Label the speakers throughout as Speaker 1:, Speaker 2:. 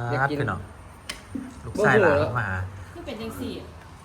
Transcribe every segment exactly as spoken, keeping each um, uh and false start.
Speaker 1: อยากกินเนาะลูกชายหลานมา
Speaker 2: คือเป็นยังสี่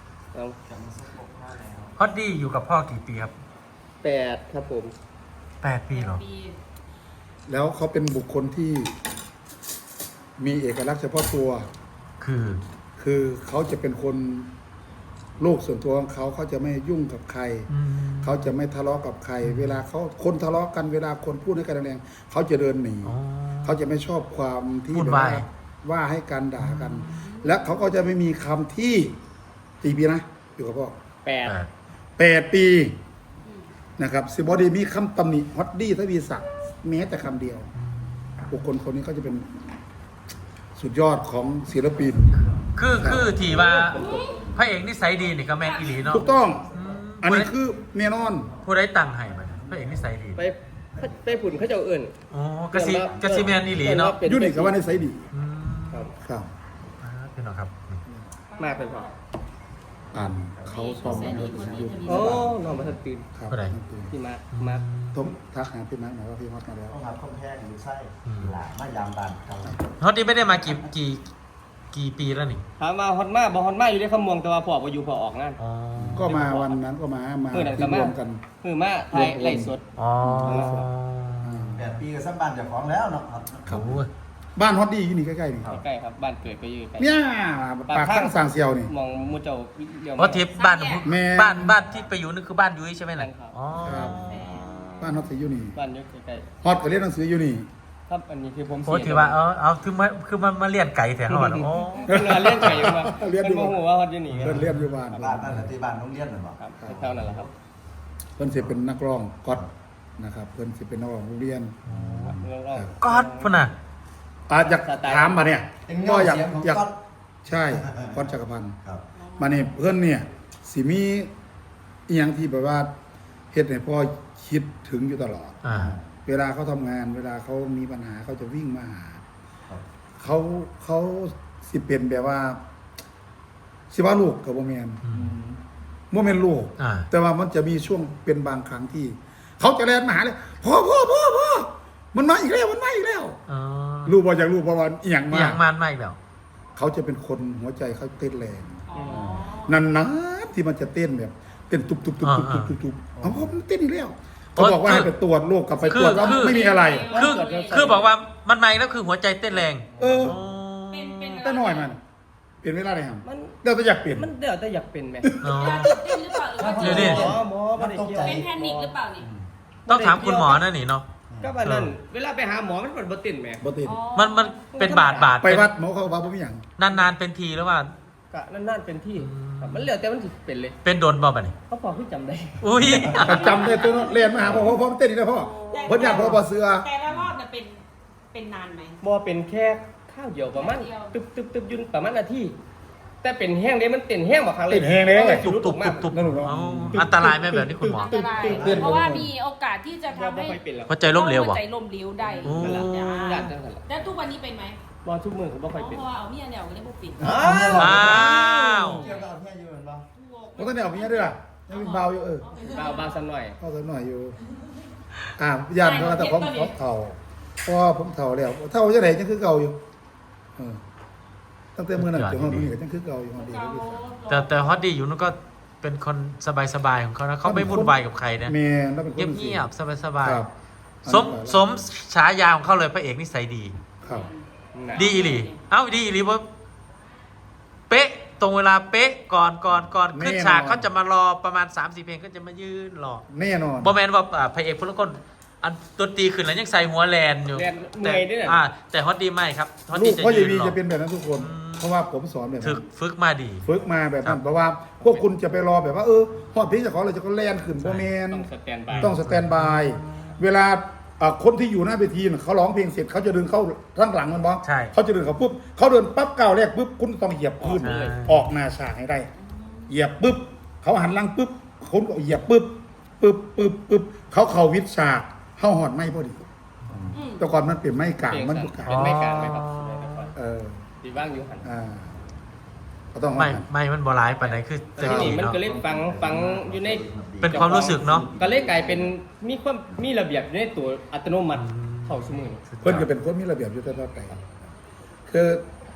Speaker 1: ฮอตดี้อยู่กับพ่อกี่ปีครับ
Speaker 3: แปดครับผม
Speaker 1: แปดปีเหรอ
Speaker 4: แล้วเขาเป็นบุคคลที่มีเอกลักษณ์เฉพาะตัว
Speaker 1: คือ
Speaker 4: คือเขาจะเป็นคนโลกส่วนตัวของเขาเขาจะไม่ยุ่งกับใครเขาจะไม่ทะเลาะกับใครเวลาเขาคนทะเลาะกันเวลาคนพูดให้กันแรงๆเขาจะเดินหนีเขาจะไม่ชอบความที่แบบว่าว่าให้กันด่ากันและเขาก็จะไม่มีคำที่กี่ปีนะอยู่กับพ่อ
Speaker 3: แปด
Speaker 4: แปดปีนะครับซิบอดีมีคำตำหนิฮอตดี้ทวีศักดิ์แม้แต่คำเดียวบุคคลคนนี้เขาจะเป็นสุดยอดของศิลปิน
Speaker 1: คือคือที่ว่าพระเอกนิสัยดีนี่ก็แมนอีหลีเนาะ
Speaker 4: ถูกต้องอันนี้คือแน่นอน
Speaker 1: ผู้ได้ตังค์ให้มันพระเอกนิสัยดี
Speaker 3: ไปไปผุ่นเขาจะเอื่น
Speaker 1: อ๋อกระซิกระซิแมนอีหลีเนาะ
Speaker 4: ยุ่นี่กับว่านิสัยดี
Speaker 1: ครับครับเป็นหรอครับ
Speaker 3: มาเป็นพอ
Speaker 4: อ่านเขาซ้อมมาแล้ว
Speaker 3: โอ้นอนมาทันตื่น
Speaker 4: ครับ
Speaker 3: พี่มามา
Speaker 4: ทมทักหาพี่มาร์คหน่อยว่าพี่ฮอตมาแล้ว
Speaker 5: ต้องหาข้อแพ้อยู่ไส้หลามายามบานเขา
Speaker 1: ฮอตนี่ไม่ได้มากี่กี่กี่ปีแล้วนี่
Speaker 3: ถามมาฮอตมาบอฮอตมาอยู่ในขมวงแต่ว่าพอพออยู่พอออกงาน
Speaker 4: ก็มาวันนั้นก็มามาที่รวมกัน
Speaker 3: คือมาไทยไล่สด
Speaker 1: อ๋อ
Speaker 5: แปดปีกับสัมบันจากของแล้วเนาะ
Speaker 1: ครับ
Speaker 4: บ้านฮอตดี้อยู่นี่ใกล้ๆนี่
Speaker 3: ใกล้ครับบ้านเกิดก็อยู่ใกล้
Speaker 4: เนี่ยปากข้างสางเซียวนี่
Speaker 3: มองมูเจ้า
Speaker 1: เพราะทิพย์บ้านบ้านบ้านที่ไปอยู่นี่คือบ้านยุ้ยใช่ไหมล่ะอ๋อ
Speaker 4: บ้านฮอตอยู่นี่
Speaker 3: บ้านยุ้ยใกล้
Speaker 4: ๆฮอตก็เรียนหนังสืออยู่นี่
Speaker 3: ครับอันนี้คือผม
Speaker 1: โอ้ถือว่าเออเอาคือมาคือมันมาเลี้ยงไก่แถวหอดโอ้
Speaker 3: เลี้ยงไก่มาเลี้ยงอยู่หัวฮอตอยู่นี่
Speaker 4: เลี้ยงอยู่บ้าน
Speaker 5: บ้านนั่นแหละที่บ้านต้องเลี้ยงหรือเปล่า
Speaker 3: ครับเท่านั้นแหละครับ
Speaker 4: เพิ่นสิเป็นนักร้องก๊อตนะครับเพิ่นสิเป็นนักร้องโรงเรียน
Speaker 1: ก๊อตพุ่นน่ะ
Speaker 4: อาจจะถามมาเนี่ยก็อยากอยากใช่ก๊อตจักรพันธ์มาเนี่ยเพิ่นเนี่ยสิมีอีหยังที่แบบว่าเฮ็ดให้พ่อคิดถึงอยู่ตลอดเวลาเขาทำงานเวลาเขามีปัญหาเขาจะวิ่งมาหาเขาเขาสิเป็นแบบว่าสิว่าลูกกับโมเมนโมเมนลูกแต่ว่ามันจะมีช่วงเป็นบางครั้งที่เขาจะแล่นมาหาเลยพ่อพ่อพ่อพ่อมันมาอีกแล้วมันมาอีกแล้วรู้บ่จากรู้เพราะว่าอีหยังมา
Speaker 1: อย่างมันมาอีกแล้ว
Speaker 4: เขาจะเป็นคนหัวใจเขาเต้นแรงนั่นนะที่มันจะเต้นแบบเต้นตุบตุบตุบตุบตุบตุบตุบเขาเต้นอีกแล้วเขาบอกว่าให้ไปตรวจโรคกลับไปตรวจว่าไม่มีอะไร
Speaker 1: คือคือบอกว่ามันมาแล้วคือหัวใจเต้นแรง
Speaker 4: เออแต่หน่อยมันเป็นเวลาไหนครับเดี๋ยวจะอยากเปลี่ยน
Speaker 3: มันเดี๋ยวจะอยากเป็นไหม
Speaker 2: อ๋อเดี๋ยวดิ
Speaker 3: หมอไม่ได้เกี่ยว
Speaker 2: เป็นแพนิคหรือเปล่านี่
Speaker 1: ต้องถามคุณหมอนั่นนี่เนาะ
Speaker 3: ก็แบบนั้นเวลาไปหาหมอมันเป็นบตินไหม
Speaker 4: บติน
Speaker 1: มันมันเป็นบาดบาด
Speaker 4: ไปวัดหมอเขาบอกว่าไม่อย่าง
Speaker 1: นานๆเป็นทีแล้วว่า
Speaker 3: ก็นานๆเป็นที่มันเหลือแต่มันถึงเป็นเลย
Speaker 1: เป็นโดนบ่แบบนี้
Speaker 3: เขาพอที่จำได้
Speaker 1: อุ้ย
Speaker 4: จำได้ตัวเรียนมาหาพ่อพ่อพ่อเต้นนี่นะพ่อพ่อญาติพ่อพ่อเสือ
Speaker 2: แต่ละรอบน่ะเป็นเป็นนานไหม
Speaker 3: บ่เป็นแค่ข้าวเดียวประมาณตึบตึบตึบยุนประมาณนาทีแต่เป็นแห้งเลยมันเต้นแห้งกว่าครั้งเลย
Speaker 4: เต้นแห้งเลย
Speaker 1: ตุบตุบตุบตุบอันตรายไหมแบบนี้คุณหมอ
Speaker 2: อันตรายเพราะว่ามีโอกาสที่จะทำให้
Speaker 1: หัวใจล้มเหลว
Speaker 2: หัวใจล้มเหลวได้แล้วทุกวันนี้เป็นไหม
Speaker 3: บอลทุกมือเขาบอกไปเป็น
Speaker 2: เพราะว่าเอาเมียเนี่ยเอาเล่นบุกปิด
Speaker 1: อ้าว
Speaker 5: เกี่ยวกับเอาเมียอยู่เหมือนป่ะ
Speaker 4: มันก็เนี่ยเอาเมียด้วยอ่ะยังมีเบาอยู่เออ
Speaker 3: เบาเบาสักหน่อย
Speaker 4: เบาสักหน่อยอยู่อ่ายันเพราะว่าแต่ผมผมเท่าเพราะผมเท่าแล้วเท่าจะไหนยังคือเก่าอยู่เออตั้งแต่เมื่อนั้นจนวันนี้ก็ยังคือเก่าอยู่วันดี
Speaker 1: แต่แต่ฮอตดี้อยู่นั่นก็เป็นคนสบายๆของเขานะเขาไม่วุ่นวายกับใครนะเงียบๆสบายๆสมสมฉายาของเขาเลยพระเอกนิสัยดีดีอีหลีเอ้าดีอีหลีว่าเป๊ะตรงเวลาเป๊ะก่อนก่อนก่อนขึ้นฉากเขาจะมารอประมาณ สามสี่ เพลงก็จะมายืนรอ
Speaker 4: แน่นอน
Speaker 1: บอแมนว่าพระเอกพลคนอันดนตรีขึ้นแล้วยังใส่หัวแลนอยู่แต่อ่าแต่ฮอตดีไม่ครับ
Speaker 4: ฮอตดีจะยืนรอจะเป็นแบบนั้นทุกคนเพราะว่าผมสอนแบบนั้น
Speaker 1: ฝึกมาดี
Speaker 4: ฝึกมาแบบนั้นเพราะว่าพวกคุณจะไปรอแบบว่าเออฮอตพีจะขออะไรจะก็แลนขึ้นบอแมนต้องสแตนบายเวลาคนที่อยู่หน้าเวทีเขาร้องเพลงเสร็จเขาจะเดินเข้าข้างหลังมันบ้างเขาจะเดินเขาปุ๊บเขาเดินปั๊บก้าวแรกปุ๊บคุณต้องเหยียบพื้นออกหน้าฉากให้ได้เหยียบปุ๊บเขาหันหลังปุ๊บคุณก็เหยียบปุ๊บปุ๊บปุ๊บปุ๊บเขาเข่าวิดฉากเข้าหอดไม่พอดีแต่ก่อนมันเป็นไม้กลางมันบุกกลาง
Speaker 3: เป็นไม้กลางไหมครับ
Speaker 4: เออ
Speaker 3: ดีบ้างอยู่หัน
Speaker 4: อ่าก็ต้อง
Speaker 1: ไม่ไม่มันบอลายปานไหนคือ
Speaker 3: จะดีมันก็เล่นฟังฟังอยู่ใน
Speaker 1: เป็นความรู้สึกเนาะ
Speaker 3: ก็เลยกลายเป็นมีความมีระเบียบอยู่ในตัวอัตโนมัติเข้าสมุน
Speaker 4: เพื่อนก็เป็นคนมีระเบียบอยู่ตลอดไปคือ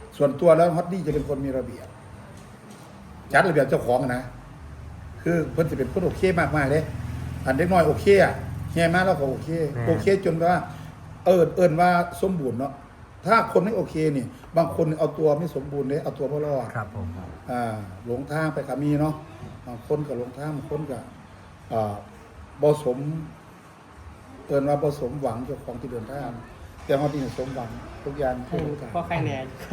Speaker 4: ส่วนตัวแล้วฮอตดี้จะเป็นคนมีระเบียบจัดระเบียบเจ้าของนะคือเพิ่นจะเป็นคนโอเคมากๆเลยอันเด็กน้อยโอเคอ่ะแง่มากแล้วก็โอเคโอเคจนว่าเอิญเอิญว่าสมบูรณ์เนาะถ้าคนไม่โอเคนี่บางคนเอาตัวไม่สมบูรณ์เลยเอาตัวไม่รอด
Speaker 1: ครับผม
Speaker 4: อ่าหลงทางไปกับมีเนาะบางคนกับหลงทางบางคนกับอ่าบ่สมเอิญว่าบ่สมหวังเจ้าของที่เดินทางแต่ฮอตดี้สมหวังทุกอย่างทุกอย่าง
Speaker 3: พอใครแน่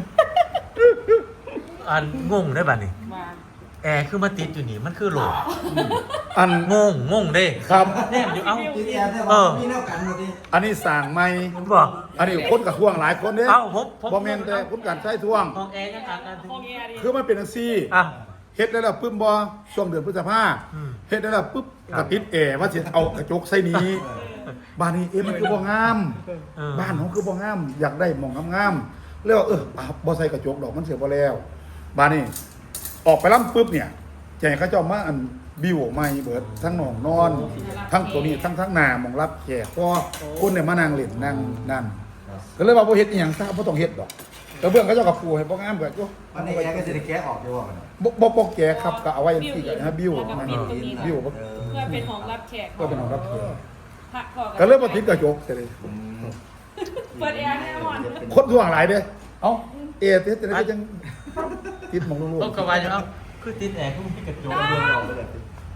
Speaker 1: อันงงได้ป่ะนี่
Speaker 2: มา
Speaker 1: แอร์คือมาติดอยู่นี่มันคือโหลด
Speaker 4: อัน
Speaker 1: งงงงเด้
Speaker 4: ครับ
Speaker 1: แน่อยู่เอ้า
Speaker 5: พี่แอร์เนี่ย
Speaker 1: เอ
Speaker 5: ว่า
Speaker 1: อ
Speaker 5: มีแนวกันหมดดิ
Speaker 4: อันนี้สั่งไม่
Speaker 1: บอก
Speaker 4: อันนี้คนกับท่วงหลายคนเนี่ย
Speaker 1: เอ้าผมผม
Speaker 4: บ่แม่นแต่คนการใช้ท่วง
Speaker 1: ห้องแอร์ยังอ่านกันถึง
Speaker 2: ห้องแอร์ดิ
Speaker 4: คือมันเป็นจังซี่
Speaker 1: อ่ะ
Speaker 4: เฮ็ดได้แล้วปึ๊บบ่ช่วงเดือนพฤษภา
Speaker 1: อืม
Speaker 4: เฮ็ดได้แล้วปึ๊บ
Speaker 1: ครั
Speaker 4: ก
Speaker 1: บ
Speaker 4: ระติดแอร์ว่าสิเอากระจกใส่นี้บ้านนี้เอ๊ะมันคือบ่งาม
Speaker 1: เออ
Speaker 4: บ้านของคือบ่งาม อยากได้หม่องงามๆแล้วเอออ่ะบ่ใส่กระจกดอกมันเสียบ่แล้วบ้านนี้ออกไปล้ำปึ๊บเนี่ยใจเขาเจ้ามาอันบิวใหม่เบิดทั้งหนองนอน ทั้งตัวนี้ทั้งทั้งหน้าหมองรับแขกก็คนเนี่ยมานั่งเล่นนั่งนั่นก็เลยว่าบ่เฮ็ดอีหยังซะบ่ต้องเฮ็ดดอกแต่เบื้องเขาเจ้าก็ปูให้บ่งามก็โย
Speaker 5: วันนี้แอร์ก็จะได้แก้ออกด้วยว่ามัน
Speaker 4: บ่บ่บ่แก่ครับก็เอาไว้จังซี่ก็นะบิว
Speaker 2: แล้วก็
Speaker 4: มัน
Speaker 2: ปิดตรงนี้
Speaker 4: บิวบ่
Speaker 5: เออ
Speaker 2: เพื่อเป็นของรับแขก
Speaker 4: ก็เป็นของรับแขก
Speaker 2: พระพ่อ
Speaker 4: ก็เลยบ่ติดกระจกเสียเลย
Speaker 5: อืม
Speaker 2: เปิดแอร์แน่นอน
Speaker 4: คนท่วงหลายเด้เอ้าเอเฮ็ดแต่ก็ยังติดหมองลูก
Speaker 1: ต้องกระวายอยู่เอ้าคือติดแอร์คือมีกระจก
Speaker 5: เรื่องเราไปเลย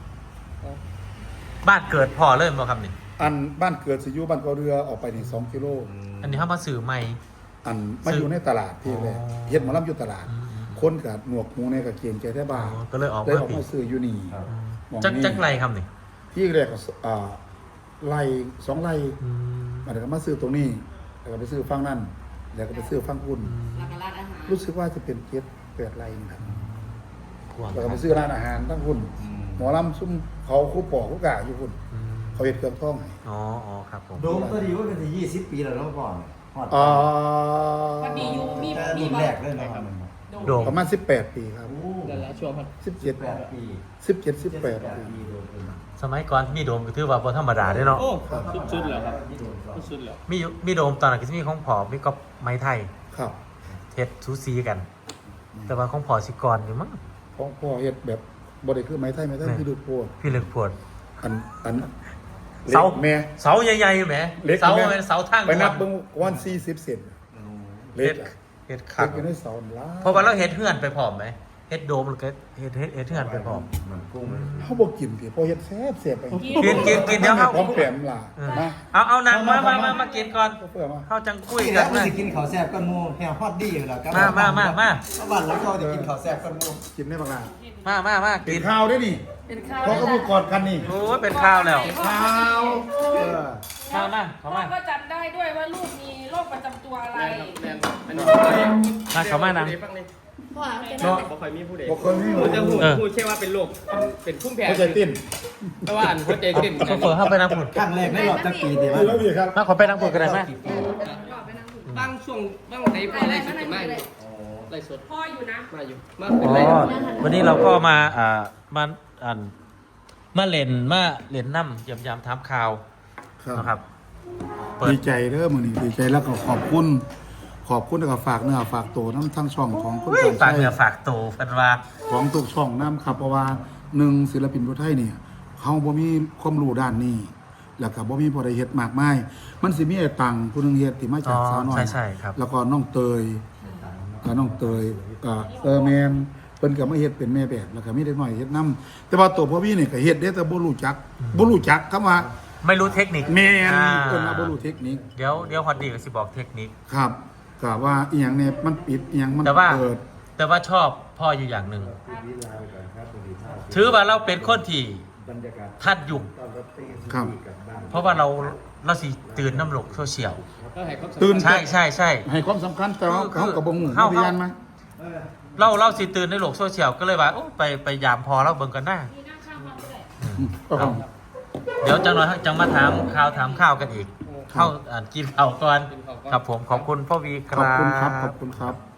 Speaker 1: บ้านเกิดพ่อเริ่มบ่ครับนี่
Speaker 4: อันบ้านเกิดสิอยู่บ้านเกาเรือออกไปนี่สองกิโล
Speaker 1: อันนี้เฮามาสื่อใหม่
Speaker 4: อันมาอยู่ในตลาดที่แรก
Speaker 1: อ๋อ
Speaker 4: เฮ็ดหมอลำอยู่ตลาด
Speaker 1: อืม
Speaker 4: คนกับหนวกหูในกับเกียงใจได้บ้าง
Speaker 1: อ๋อก็เลยออก
Speaker 4: เลย
Speaker 1: มา
Speaker 4: ออก
Speaker 1: ปิ
Speaker 4: มา
Speaker 1: ด
Speaker 4: ซื้ออยู่นี่
Speaker 5: ครับ
Speaker 4: หม้อง
Speaker 1: จัก
Speaker 4: นี้
Speaker 1: จักไรครับนี่
Speaker 4: ที่แรกก็อ่าไร่สองไร่
Speaker 1: อืม
Speaker 4: มาเดี๋ยวก็มาซื้อตรงนี้แล้วก็ไปซื้อฝั่งนั่นแล้วก็ไปซื้อฝั่งคุณ
Speaker 2: แล้วก็ร้านอาหาร
Speaker 4: รู้สึกว่าจะเป็นเจ็ดแปดไร่นี่ครับ
Speaker 1: กว้าง
Speaker 4: แล้ว
Speaker 1: ค
Speaker 4: ก็
Speaker 1: รับ
Speaker 4: ไปซื้อร้านอาหารทั้งคุณ
Speaker 5: อืม
Speaker 4: หมอลำซุ่มเขาคู่ปอกคู่กาอยู่คุณ
Speaker 1: อืม
Speaker 4: เขาเห็ดเครื่องท่องให้
Speaker 1: อ๋ออ๋อครับผม
Speaker 5: โดมตัวดีว่าเป็นที่ยี่สิบปีแล้วเนาะก่อนฮอด
Speaker 4: อ่า
Speaker 2: พอดีอยู่มี
Speaker 5: แต่
Speaker 2: มี
Speaker 5: รุ่น
Speaker 2: บ้า
Speaker 5: แรก
Speaker 2: ง
Speaker 5: เลยเนาะครับมัน
Speaker 1: โดม
Speaker 4: ประมาณสิบแปดปีครับ
Speaker 5: โอ้
Speaker 3: นั่นแหละช่วงพัน
Speaker 4: สิบเจ็ด
Speaker 5: แปดปี
Speaker 4: สิบเจ็ดสิบแปด
Speaker 5: เจ็
Speaker 4: ปี
Speaker 5: ปีโดมเป็น
Speaker 1: สมัยก่อนมีโดมก็ถือว่าบ่ธรรมดาเด้เนาะ
Speaker 3: โอ้สุดๆแล้วครับ
Speaker 5: ที่โดมก่อน
Speaker 3: สุดๆแล้ว
Speaker 1: มีมีโดมตอนนั้นก็สิมีของผอมีก็ไม้ไทย
Speaker 4: ครับ
Speaker 1: เฮ็ดซูซีกัน แต่ว่าของผอสิกรอยู่มั้ง
Speaker 4: ของพ่อเห็ดแบบบริคือไม้ไทยไม้ไทย
Speaker 1: แม่
Speaker 4: คือดูดโพด
Speaker 1: พี่เลึกปวด
Speaker 4: อันอัน
Speaker 1: เสา
Speaker 4: ล็กแม่
Speaker 1: เสาใหญ่ๆแหม
Speaker 4: เล็ก
Speaker 1: เสา
Speaker 4: แม่
Speaker 1: เป็นเสาทาง
Speaker 4: ไปนับ
Speaker 1: ด่ว
Speaker 4: เบิ่งวันสี่สิบเซน
Speaker 5: อืม
Speaker 4: เล็
Speaker 1: เฮ็
Speaker 4: ก
Speaker 1: ด
Speaker 4: อะ
Speaker 1: เฮ็ด
Speaker 4: เล็
Speaker 1: คัก
Speaker 4: กอยู่ในเสาล้า
Speaker 1: เพราะว่าเราเฮ็ดเฮือนไปพร้อมไหมเฮ็ดโดมแล้วก็เฮ็ดเฮ็ดเฮ็ดเฮือนไปพร้อม
Speaker 5: เหมือนกุ้ง
Speaker 4: เขาบอกกินพี่พอเฮ็ดแซ่บแซ่บไป
Speaker 1: กินกินกินเดี๋ยวเฮา
Speaker 4: พร้อมแปมล่ะ
Speaker 1: เออ
Speaker 4: มา
Speaker 1: เอาเอานางมามามามากินก่อน
Speaker 4: เอาเพื่อมา
Speaker 1: เฮาจังคุย
Speaker 5: กิน
Speaker 1: กั
Speaker 5: แล้
Speaker 1: น
Speaker 5: วมัน
Speaker 1: นะ
Speaker 5: จะกินข้าวแซ่บกันมูแฮวฮอตดี้อยู่แล้วครับ
Speaker 1: มามามามา
Speaker 5: บ้านแล้วเขาจะกินข้าวแซ่บกันมู
Speaker 4: กินได้บักล่ะ
Speaker 1: มามามา
Speaker 4: กิ
Speaker 1: กิ
Speaker 4: น
Speaker 1: น
Speaker 4: ข้าวได้นี่
Speaker 2: เป็นข้าว
Speaker 4: เพราะก็พูดกอดกันนี่
Speaker 1: โอ้ยเป็นข้าวแล้ว
Speaker 4: ข้าวเออ
Speaker 1: ข้าวมาเข้า
Speaker 2: พ่อ
Speaker 1: มา
Speaker 2: ก็จำได้ด้วยว่าลูกมีโรคประจำตัวอะไร
Speaker 3: แม่นครับแม่นอันนี้
Speaker 1: มาเข้ามานะ
Speaker 2: พ่อเอาจะ
Speaker 3: เนาะ
Speaker 2: ได้
Speaker 3: บ่ค่อยมีผู้ใด
Speaker 4: บอกคนนี้
Speaker 3: พูดจะพูด
Speaker 1: เออ
Speaker 3: พูดแค่ว่าเป็นโรคเป็นพุ่มแพ้
Speaker 4: เข้าใจติ้น
Speaker 3: แต่ว่าอันหัวใจเต้น
Speaker 1: โซเฟอร์เข้าไปนั่งพุ่น
Speaker 5: ครั้งแรกในรอบจักปีดี
Speaker 4: ดี
Speaker 5: มั้ย
Speaker 4: แล้วพี่ครับ
Speaker 1: มาขอไปนั่งพุ่นกันได้ไหม
Speaker 3: บางช่วงบางไหนพอไล่สดกันมากเลยไล่สด
Speaker 2: พ่ออยู่นะ
Speaker 3: มาอยู่มา
Speaker 1: อ๋
Speaker 3: เป็น
Speaker 1: อ
Speaker 3: ไร
Speaker 1: วันนี้เราก็มาอ่ามาอ่านมาเล่นมาเล่นน้ำยำยำถามข่าวนะครับ เปิด
Speaker 4: ดีใจเด้อมื้อนี้ดีใจแล้วก็ขอบคุณ ขอบคุณแล้วก็ฝากเนื้อฝากตัวน้ำทั้งช่องของคุณ
Speaker 1: เฮ้ย
Speaker 4: การ
Speaker 1: ฝาก
Speaker 4: ใช้
Speaker 1: เนื้อฝากตัวเพันว่า
Speaker 4: ของทุกช่องน้ำครับเพราะว่าหนึ่งศิลปินผู้ไทยเนี่ยเขาบ่มีความรู้ด้านนี้ แล้วก็บ่มีบ่ได้เฮ็ดมากมายมันสิมีไอ้ตังผู้หนึงเฮ็ดที่มาจากสาวน้อย
Speaker 1: ใช่ใช่ครับ
Speaker 4: แล้วก็น้องเตยก็น้องเตยก็เออแม่นเพิ่นก็มาเฮ็ดเป็นแม่แบบแล้วก็มีเด็กน้อยเฮ็ดนํแต่ว่าตัวพ่อพี่นี่ก็เฮ็ดเด้แต่บ่รู้จักบ่รู้จักคำว่า
Speaker 1: ไม่รู้เทคนิค
Speaker 4: แม่น
Speaker 1: อ่า
Speaker 4: เพิ่นว่าบ่รู้เทคนิค
Speaker 1: เดี๋ยวเดี๋ยวฮอตดีก็สิบอกเทคนิค
Speaker 4: ครับก็ว่าอีหยังเนี่ยมันปิดอีหยังมัน
Speaker 1: แต่ว่า
Speaker 4: เปิด
Speaker 1: แต่ว่าชอบพ่ออยู่อย่างหนึ่ง ถือว่าเราเป็นคนที่ทัดยุค
Speaker 4: ครับ
Speaker 1: เพราะว่าเราเราสิตื่นน้ำหลกโซเชียล
Speaker 3: ก็ให้ความสำคัญ
Speaker 4: ตื่น
Speaker 1: ใช่ใช่ใช่
Speaker 4: ให้ความสำคัญแต่ว่า
Speaker 1: คือ
Speaker 4: เขาก็บ่ฮู้
Speaker 1: เฮา
Speaker 4: พยานมา
Speaker 1: เราเราสิตื่นในโลกโซเชียลก็เลยว่าโอ้ไปไปยามพอเราเบิ่งกันหน้า
Speaker 2: มีนั่งข้างพ่อด้วย
Speaker 4: อืมก็ครับ
Speaker 1: เดี๋ยวจังหน่อยจังมาถามข่าวถามข้าวกันอีก
Speaker 4: ครับ
Speaker 1: เข้าอ่านกินข้าวก่อน
Speaker 3: กินข้าวก่อน
Speaker 1: ครับผมขอบคุณพ่อวีค
Speaker 4: ขอบ
Speaker 1: รับ
Speaker 4: คุณครับ ขอบคุณครับ